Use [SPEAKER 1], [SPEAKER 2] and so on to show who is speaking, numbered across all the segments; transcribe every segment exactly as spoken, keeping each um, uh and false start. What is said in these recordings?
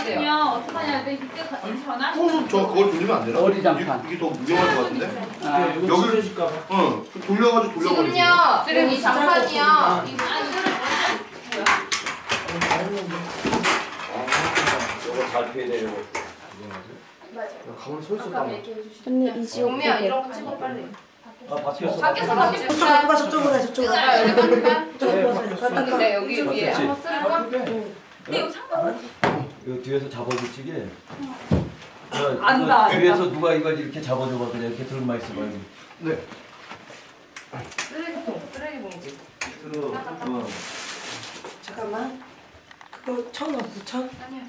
[SPEAKER 1] 그러면 어떡하냐? 내 밑에 전화.
[SPEAKER 2] 어, 저 그걸 돌리면 안 되나?
[SPEAKER 3] 어리장판.
[SPEAKER 2] 이게 더 무용할 것 같은데?
[SPEAKER 3] 아,
[SPEAKER 2] 여기를 줄까 봐. 응. 돌려가지고 돌려버리지.
[SPEAKER 4] 지금요. 지금 이 장판이요.
[SPEAKER 5] 이거 잘 피해야 돼요.
[SPEAKER 4] 맞아요.
[SPEAKER 2] 가만히 서 있었다.
[SPEAKER 6] 언니 이지호
[SPEAKER 4] 용미야 이런 거 찍어 빨리.
[SPEAKER 5] 아 바뀌었어.
[SPEAKER 4] 밖에서 같이
[SPEAKER 6] 저쪽 누가 저쪽으로 해 저쪽으로
[SPEAKER 4] 해. 여기
[SPEAKER 6] 저쪽으로
[SPEAKER 4] 네, 네 여기 위에
[SPEAKER 5] 바뀌었지?
[SPEAKER 4] 한번 쓰는 거.
[SPEAKER 1] 근데 이거 상관없어.
[SPEAKER 5] 이거 뒤에서 잡아주지게.
[SPEAKER 1] 안다.
[SPEAKER 5] 뒤에서 누가 이걸 이렇게 잡아줘봐 그냥 이렇게 들고만 있어봐.
[SPEAKER 2] 네.
[SPEAKER 4] 쓰레기통, 쓰레기 봉지.
[SPEAKER 5] 들어. 어.
[SPEAKER 6] 잠깐만 그거 천 없어 천?
[SPEAKER 4] 아니야.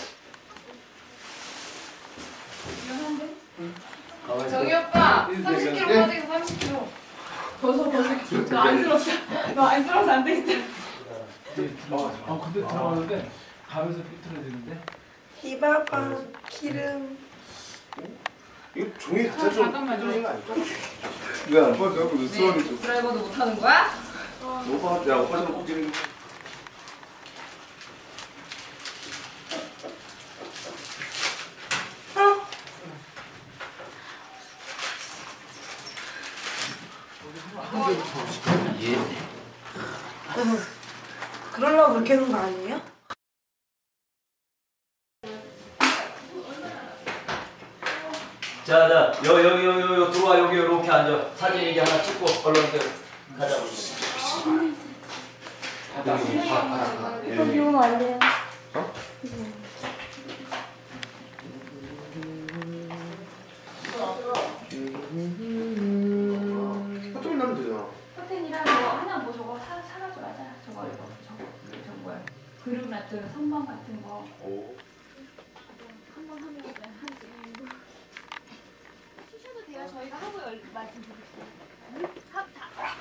[SPEAKER 1] 미안한데?
[SPEAKER 4] 정희 오빠 삼십 킬로그램 빠지게 삼십 킬로그램.
[SPEAKER 1] 벗어 벗어. 너 안쓰럽다. 너 안쓰러워서 안 되겠다.
[SPEAKER 3] 아 근데 들어가는데 가면서 삐뚤어지는데.
[SPEAKER 6] 히바바 기름.
[SPEAKER 2] 이거 종이
[SPEAKER 1] 아,
[SPEAKER 2] 자체가 좀
[SPEAKER 1] 잠깐만요.
[SPEAKER 2] 삐뚤어진 거 아닐까? 왜안 봐? 내가 그 수학이 좀.
[SPEAKER 4] 드라이버도 못 하는 거야?
[SPEAKER 2] 오빠, 야, 오빠 좀 웃기는 거.
[SPEAKER 6] 그러려고 그렇게 해놓은 거 아니에요?
[SPEAKER 5] 자, 자, 여, 여기, 여기, 여기 들어와 여기 이렇게 앉아. 사진 이게 하나 찍고 얼른 가자.
[SPEAKER 6] 이거 비우면 안 돼요.
[SPEAKER 2] 어? 화장실 나면 되잖아.
[SPEAKER 1] 커튼이랑 뭐 하나 뭐 저거 사 사가져가자. 저거 이거 저거 저 뭐야? 그릇 같은 선반 같은 거.
[SPEAKER 2] 오.
[SPEAKER 1] 한번 하면 한 주셔도 돼요. 저희가 하고 말씀드릴게요. 하, 다.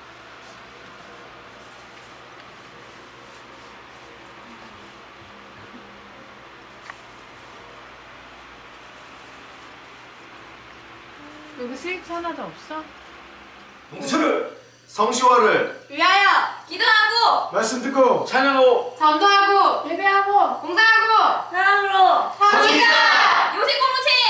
[SPEAKER 1] 여기 스위치 하나도 없어?
[SPEAKER 2] 동서를 성시화를
[SPEAKER 4] 위하여 기도하고
[SPEAKER 2] 말씀 듣고 찬양하고
[SPEAKER 4] 전도하고
[SPEAKER 1] 예배하고
[SPEAKER 4] 봉사하고
[SPEAKER 6] 사랑으로
[SPEAKER 4] 성의가 요식 공무체